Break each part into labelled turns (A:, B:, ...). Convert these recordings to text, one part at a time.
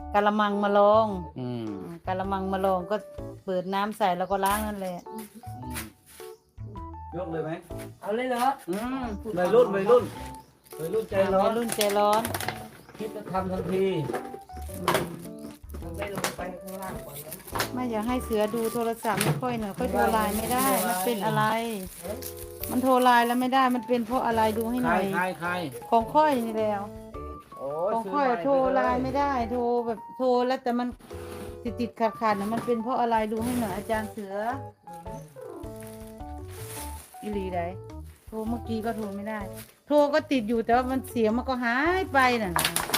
A: กะละมังมาลง
B: อืม
A: กะละมังมาลงก็เปิดน้ำใส่แล้วก็ล้างนั่นแหละ
B: ยกเลยไหม
C: เอาเลยเหรอ
B: วัยรุ่นวัยรุ่นวัยรุ่นใจร้อ
A: วั
B: น
A: ยรุ่นใจร้อน
B: คิดจะทำทันที
C: มันไม่ลงไปข้างล่างก่อนนะ
A: ไม่อยากให้เสือดูโทรศัพท์ไม่ค่อยหน่อยค่อยโทรไลน์ไม่ได้ มันเป็นอะไร มันโทรไลน์แล้วไม่ได้ มันเป็นเพราะอะไรดูให้
B: ใค
A: ห
B: ร
A: น่อย
B: ใครใคร
A: ของค่อยนี่แล้ว
B: โอ้
A: ของค่อยโทรไลน์ไม่ได้ โทรแบบโทรแล้วแต่มันติดขัดนะมันเป็นเพราะอะไรดูให้หน่อยอาจารย์เสืออีหลีไดโทรเมื่อกี้ก็โทรไม่ได้ โทรก็ติดอยู่แต่ว่ามันเสียงมันก็หายไปน่ะ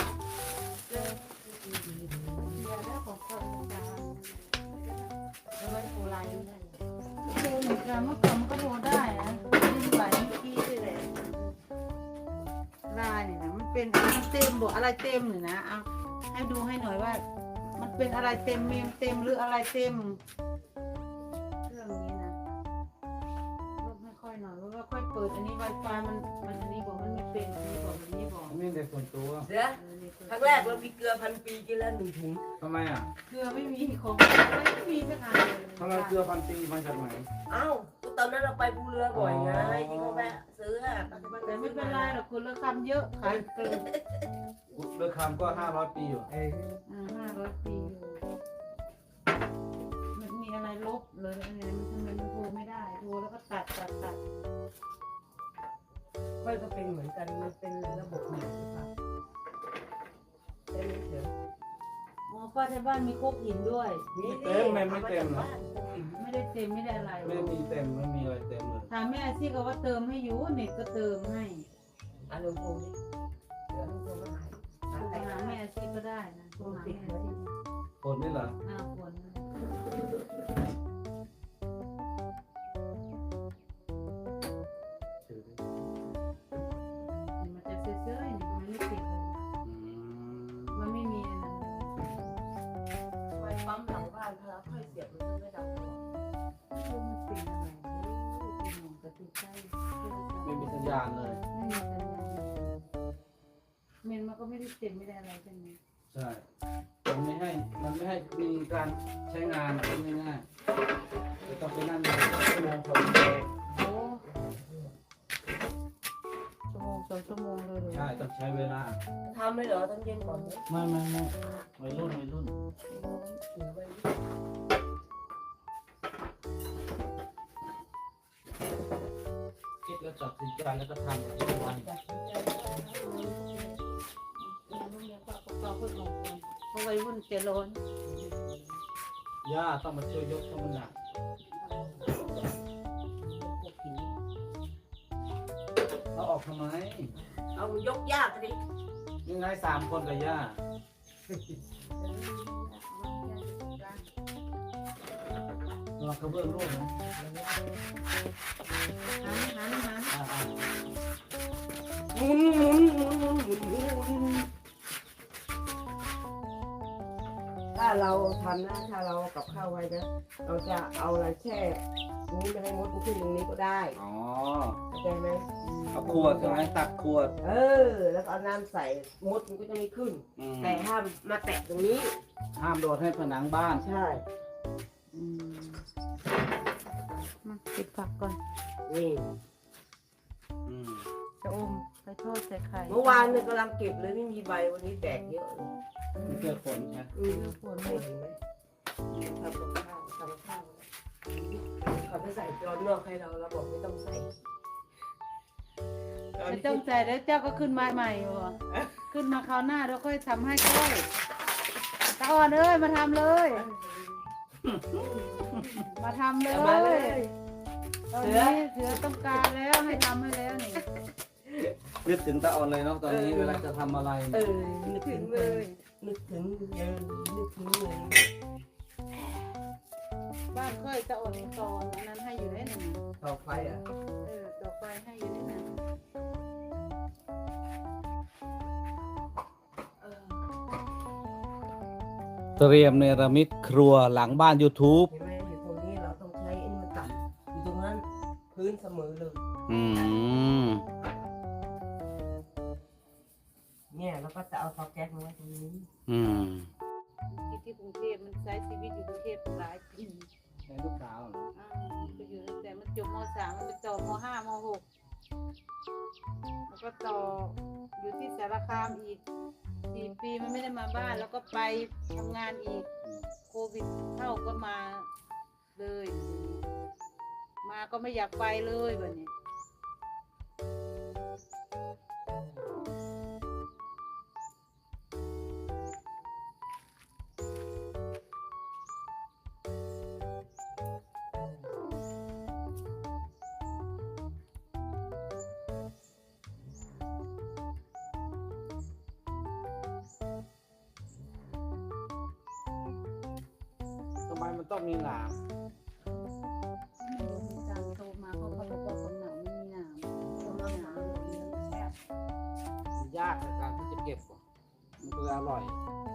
A: โทรเหมือนกันเมื่อก่อนมันก็โทรได้นะที่ไหลเมื่อกี้ด้วยแหละไลน์เนี่ยนะมันเป็นอะไรเต็มบอกอะไรเต็มหรือนะเอาให้ดูให้หน่อยว่า มันเป็นอะไรเต็มเมมเต็มหรืออะไรเต็มเครื่องนี้นะลบไม่ค่อยหน่อยเพราะว่าค่อยเปิดอันนี้ Wi-Fi มันอันนี้บอกมันไม่เป็นอันนี้บอกอันนี้บอก
B: ไม่ได้ส่วนตัว
C: เสือครั้งแรกเรามีเกลือ1,000 ปีกินแล้ว1 ถุง
B: ทำไมอ่ะ
A: เกลือไม่มีของไม่มีสักอันเลย
B: ทำไมเกลือพันปีมาจากไหน
C: เอ้าก็ตอนนั้นเราไปภูเรือบ่อยไงที่เขาแวะซื้ออะปัจจุบัน
A: แต่ไม่เป็นไรหรอกคุณละคำเยอะขายเกิน
B: เลือคำก็500 ปีอยู่
A: 500 ปีอยู่มันมีอะไรลบเลยอะไรมันทำไมมันโทรไม่ได้โทรแล้วก็ตัด
C: ค่อยก็เป็นเหมือนกันมันเป็นระบบใหม่หรือเปล่าใช่ไหมเสือ
A: อ๋อป้าที่บ้านมีโคกหินด้วย
B: ไม่เต็มไม่เต็มเหรอ
A: ไม่ได้เต็มไม่ได้อะไร
B: ไม่มีเต็มไม่มีอะไรเต็มเลย
A: ถามแม่ซี่ก็ว่าเติมให้อยู่เน็ตก็เติมให้
C: อารมณ์โพนี่เสืออารมณ์โพมาหา
A: โทร
C: ใคร
A: หาแม่ซี่ก็ได้นะโทรหาแม่ซี่
B: คนนี่เหรอ
A: ฝนมันจะเซื่อๆนี่มันไม่ติดเลยมันไม่มีอะไร
C: ไฟปั๊มหลังบ้านพาค่อยเสียบมันไม่ดับ
A: มันเป็นอะไรเป็นหมองกระติกใช่
B: ไม่มีสัญญาณเลย
A: ไม่มีสัญญาณเมนมันก็ไม่ได้เต็มไม่ได้อะไรใช่ไหม
B: ใช่มันไม่ให้มีการใช้งานง่ายๆจะต้องไปนั่งอยู่ชั่วโมง2 ชั่วโมง
A: โอ้ชั่วโมง 2 ชั่วโมงเลยเหรอ
B: ใช่ต้องใช้เวลา
C: ทำเลยเหรอตอนเย็นก่อนเนี่ย
B: ไม่วัยรุ่น
C: เสือไป
B: คิดแล้วตัดสินใจแล้วก็ทำทุกวัน
A: จัดสินใจเพราะวัยรุ่นเจริญ
B: ย่าต้องมาช่วยยกเพราะมันหนักเราออกทำไม
C: เอายกยากดิ
B: ยังไง3 คนกับย่าเรากระเบื้องร่วงนะ
A: หัน
C: หมุนถ้าเราทำนะถ้าเรากับข้าวไว้นะเราจะเอาอะไรแช่นี้ไม่ให้มดมันขึ้นตรงนี้ก็ได้
B: อ๋อ
C: เข้าใจไหม
B: เอาขวดใช่ไหมตักขวด
C: แล้วก็เอาน้ำใส่มดมันก็จะไม่ขึ้น
B: อืม
C: แต่ห้ามมาแตะตรงนี้
B: ห้ามโดดให้ผนังบ้าน
C: ใช่
A: มาปิดผักก่อน
C: นี่
B: อืม
A: จะอมไปทอดใส่ไข่
C: เมื่อวานเนี่ยกำลังเก็บเลยไม่มีใบวันนี้แดดเยอะเลย
B: ไม่เจอฝนใช่ไหม
A: ฝน
C: เห็นไหมทำกับข้าวเขาจะใส่จอนนอกให้เราบอกไม่ต้องใส่
A: ไม่ต้องใจแล้วเจ้าก็ขึ้นมาใหม่วะขึ้นมาคราวหน้าเราค่อยทำให้ค่อยตาอ่อนเอ้ยมาทำเลย มาทำเล
C: เอามาเลย ย
A: ตอนนี้เสือต้องการแล้วให้ทำให้แล้วนี่
B: นึกถึงตาอ่อนเลยเนาะตอนนี้เวลาจะทำอะไร
C: นึกถึงเลยนึกถึงเลย
A: บ้านค่อยตาอ่อนตอนอันนั้นให้อยู่ได้หนึ่ง
C: ต่อไฟอ่ะ
A: ต่อไปให้อยู่ได้หนึ่ง
B: เตรียมเนรมิตครัวหลังบ้าน YouTube
C: เห็นไหมอยู่ตรงนี้เราต้องใช้ไอ้นี่มันต่ำอยู่ตรงนั้นพื้นเสมอเลย
B: อืม
C: เนี่ยเราก็จะเอาเตาแก๊สมาไว้ตรงนี้
B: อืม
A: ใช้ชีวิตอยู่กรุงเทพหลายปี
B: ใช้ลูกสาวเหรอ
A: ก็อยู่ตั้งแต่มันจบม .3 มันไปต่อม .5 ม .6 แล้วก็ต่ออยู่ที่สารคามอีก4 ปีมันไม่ได้มาบ้านแล้วก็ไปทำงานอีกโควิดเข้าก็มาเลยมาก็ไม่อยากไปเลยแบบนี้
B: ทำไมมันต้องมีหนาม
A: ไม่รู้มีการโทรมาเขาบอกว่าคนหนาวไม่มีหนาวเขามาหนาวเลี้ยงแซ่บ
B: มันยากในการที่จะเก็บอ่ะมันก็เลยอร่อย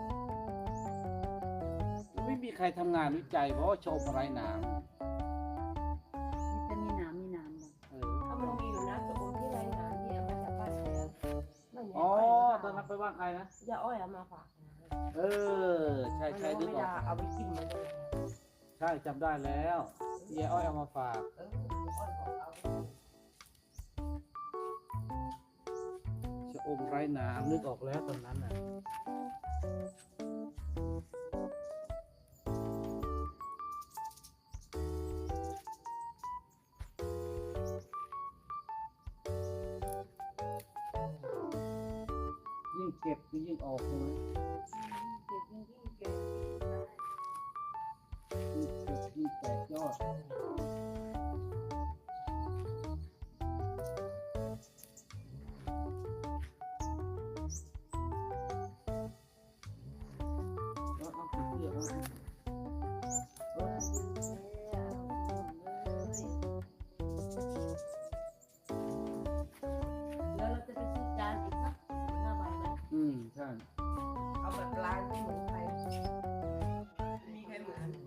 B: ไม่มีใครทำงานวิจัยเพราะว่าชมอะไรหนาม
A: นี่จะมีหนาวมีหนาวบ่
C: ถ้ามันมีอยู่นะตัวที่ไรนะที่เอามาจากบ้านแท้ไม่มี
B: อ๋อตอนนั้นไปบ้านใครนะ
C: ยาอ้อยเอามาฝาก
B: เออใช่ใช่นึก
C: ไม่
B: ออ
C: ได้
B: ก
C: เอาไปกินมาเลย
B: ใช่จำได้แล้วเยอ้อยเอามาฝาก
C: อ้อยบอกเอา
B: ชะอมไร้หนามนึกออกแล้วตอนนั้นน่ะยิ่งเก็บก็ยิ่งออกใช่ไหม
A: เก็บยิ่งเก็บ
B: ยิ่งเก็บยิ่งแตกยอดแล้วเอาไปเพื่อเอา
C: แล้วเราจะไปซื้อจานอีกสัก5 ใบไหม
B: ใช่
C: เอาแบบร้านที่เหมือนใครมีใครเหมือน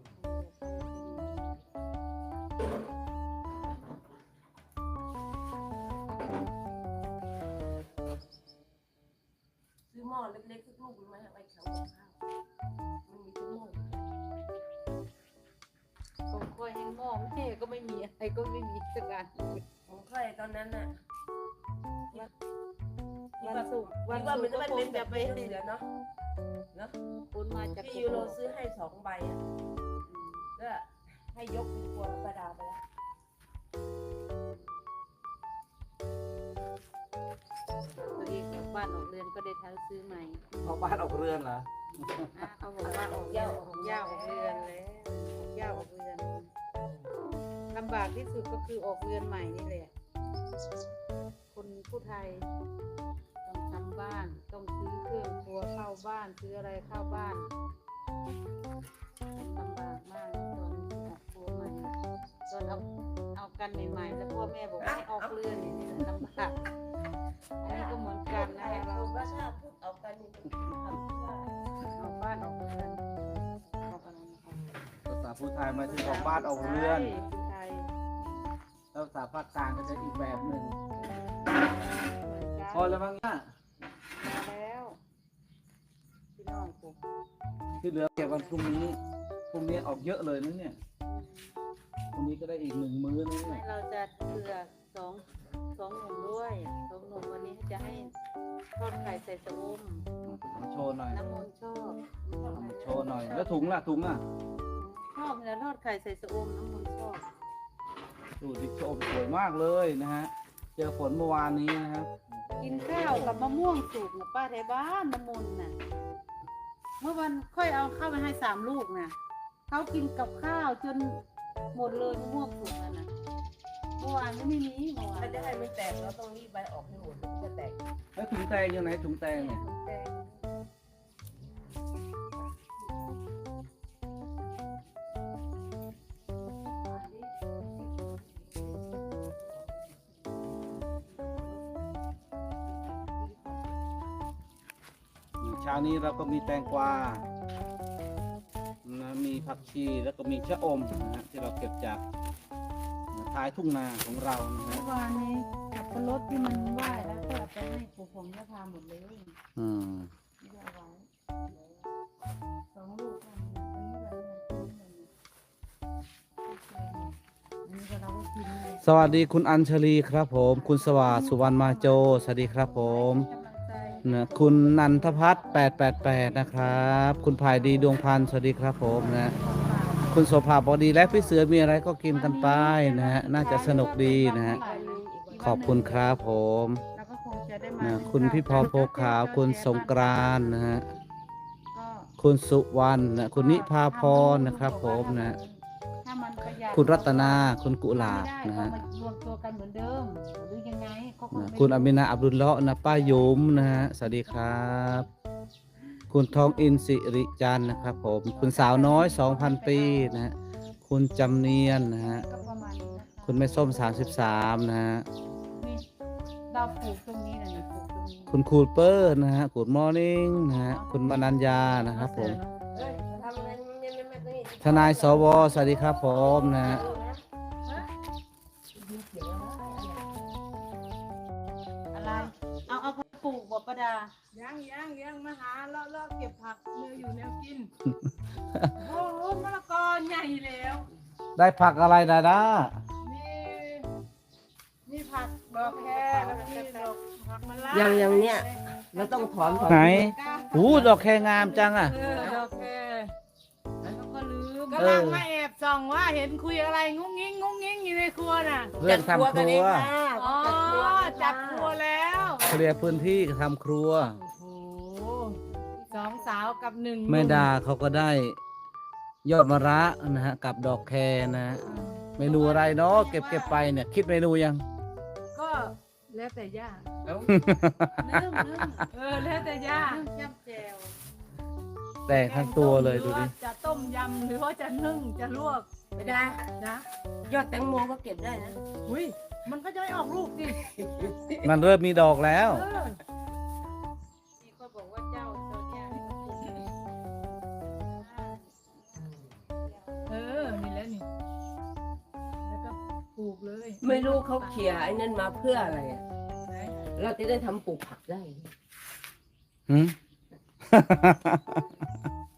C: ซื้อหม้อเล็กๆสักลูกนึงไหมเอาไปขังกับข้าวมันมีทุกหม้ออยู่
A: ผมคอยให้หม้อแม่ก็ไม่มีอะไรก็ไม่มีสักอัน
C: ผมเคยตอนนั้นน่ะ
A: วันศุกร์วัน
C: ว่า
A: ศุ
C: มั
A: ก
C: น
A: ร์
C: จะ
A: ก็
C: ไม่
A: ค
C: เป็
A: ง
C: นแบ
A: จะ
C: บ
A: ไป
C: เหลือเนาะเนาะ
A: คนมาจาก
C: พี่ยูโรซื้อให้2 ใบอ่ะก็ให้ยกเป็นครัวประดาไปแล้ว
A: ตัวเองกลับบ้านออกเรือนก็ได้ทั้งซื้อใหม่
B: เอาบ้านออกเรือนเหรอ
A: เขาบอกว่าออกย่าออกเรือนแล้วออกย่าออกเรือนลำบากที่สุดก็คือออกเรือนใหม่นี่แหละคนผู้ไทยต้องทำบ้านต้องซื้อเครื่องครัวเข้าบ้านซื้ออะไรเข้าบ้านลำบากมากตอนออกครัวใหม่ตอนเอากันใหม่ๆแล้วพ่อแม่บอกให้ออกเรือนนี่แหละลำบากอันนี้ก็เหมือนกันนะ
C: ไอ้
A: เรา
C: คนว่าถ้าพูดเอากันนี่ทำเพื่อ
A: เอาบ้านออกเรือนออกอะไรนะคะ
B: ภาษาพูดไทยหมายถึงออกบ้านออกเรือน
A: ผู้ไทย
B: แล้วภาษาภาคกลางก็จะอีกแบบหนึ่ง
A: เหมือนกัน
B: พอแล้วมั้งเนี่ย
A: มาแล้วพี่น้องผม
B: ที่เหลือเก็บวันพรุ่งนี้พรุ่งนี้ออกเยอะเลยนะเนี่ยพรุ่งนี้ก็ได้อีก1 มื้อนะเนี่
A: ให้
B: ย
A: เราจะเผื่อสองหนุ่มด้วยสองหนุ่มวันนี้จะให้ทอดไข่ใส่สะอม
B: มาโชว์หน่อย
A: น้ำมนต์ชอบ
B: มาโชว์หน่อย แล้วถุงล่ะถุงอ่ะ
A: ชอบแล้วทอดไข่ใส่สะอมน้ำมนต์ชอบ
B: ดูดิโชว์สวยมากเลยนะฮะเจอฝนเมื่อวานนี้นะครับ
A: กินข้าวกับมะม่วงสุกนะป้าไทยบ้านน้ำมนต์น่ะเมื่อวันค่อยเอาข้าวไปให้3 ลูกนะเขากินกับข้าวจนหมดเลยมะม่วงสุกนั่นน่ะเมื่อวานก็ไม่มีเมื่อวาน
C: ถ้าจะให้มันแตกเราต้องรีบใบออกให้หมดมันจะแตก
B: แล้วถุงแตงอยู่ไหนถุงแตงเนี่ย เช้านี้เราก็มีแตงกวานะมีผักชีแล้วก็มีชะอมนะฮะที่เราเก็บจากท้ายทุ่งนาของเรานะฮะ
A: เมื่อวานนี้ขับรถที่มันไหว้แล้วก็เอาไปให้ปู่ผมก็พาหมดเลยไม่ได้เอาไว้2 ลูกอันนี้เราก็กินเลย
B: สวัสดีคุณอัญชลีครับผม คุณสวัสดิ์สุวรรณมาโจ สวัสดีครับผม
A: กำลังใจ
B: นะคุณนันทพัฒน์888นะครับ คุณภายดีดวงพันธ์สวัสดีครับผมนะ คุณโสภาบอกดีและพี่เสือมีอะไรก็กินกันไปนะฮะน่าจะสนุกดีนะฮะขอบคุณครับผม
A: แล้วก็คงจะได้มา
B: นะคุณพี่พอโพขาวคุณสงกรานต์นะฮะ
A: ก็
B: คุณสุวรรณนะคุณนิพาพรนะครับผมนะ
A: ถ้ามันประหยัด
B: คุณรัตนาคุณกุหลาบ
A: ไม่
B: นะ
A: ได้
B: ฮะ
A: ก็มารวมตัวกันเหมือนเดิมหรือยังไงก็คง
B: นะ
A: ไม่
B: คุณอามินาอับดุลเลาะห์นะป้ายุมนะฮะสวัสดีครับ คุณทองอินสิริจันทร์นะครับผม คุณสาวน้อย 2,000 ปีนะฮะคุณจำเนียนนะฮะ
A: ก็ประมาณนี้นะคะ
B: คุณแม่ส้ม 33 นะฮะ
A: นี่เราปลูกตรงนี้นะนี่ปลูกตรงนี้
B: คุณคูเปอร์นะฮะกูดมอร์นิ่งนะฮะคุณมนัญญานะครับผม
C: เฮ้ยทำอะไรไม่ตรงนี้
B: ทนายสวสวัสดีครับผมนะฮะ
A: อะไรเอาไปปลูกบ่ประดา
D: ยังมาหาเลาะเก็บผักเนื้ออยู่แนวกิน โอ้โหมะละกอใหญ่แล้ว
B: ได้ผักอะไรดาด้า
D: มีผักดอกแคแล้วก็มีดอกผักมะละ
C: อย่างเนี้ยเราต้องถอน
B: ไหนหูดอกแคงามจังอ่ะ
D: ดอกแคแล้วก็ลืม
B: เออ
D: กำลังมาแอบส่องว่าเห็นคุยอะไรงุ้งงิ้งอยู่ในครัวน่ะ
B: เรื่องทำครัว
D: อ๋อจับครัวแล้ว
B: เคลียร์พื้นที่ทำครัว
D: โอ้โหสองสาวกับหนึ่ง
B: แม่ดาเขาก็ได้ยอดมะระนะฮะกับดอกแคนะฮะเมนูอะไรเนาะเก็บไปเนี่ย คิดเมนูยัง
D: ก็แล้วแต่ย่า
A: ลืม
D: แล้วแต่ย่า
A: ลืมจ้ำแจว
B: แต่งทั้งตัวเลยดูดิ
D: หรือว่าจะต้มยำหรือว่าจะนึ่งจะลวก
C: ไม่ได้
D: นะ
C: ยอดแตงโมก็เก็บได้นะ
D: อุ้ยมันก็จะไม่ออกลูกสิ
B: มันเริ่มมีดอกแล้ว
D: เออ
A: นี่ก็บอกว่าเจ้าตัวเนี้ยนี่มันปลูก
D: เออนี่แหละนี่แล้วก็ปลูกเลย
C: ไม่รู้เขาเขี่ยไอ้นั่นมาเพื่ออะไรอะ
D: ไหน
C: เราจะได้ทำปลูกผักได้
B: หืม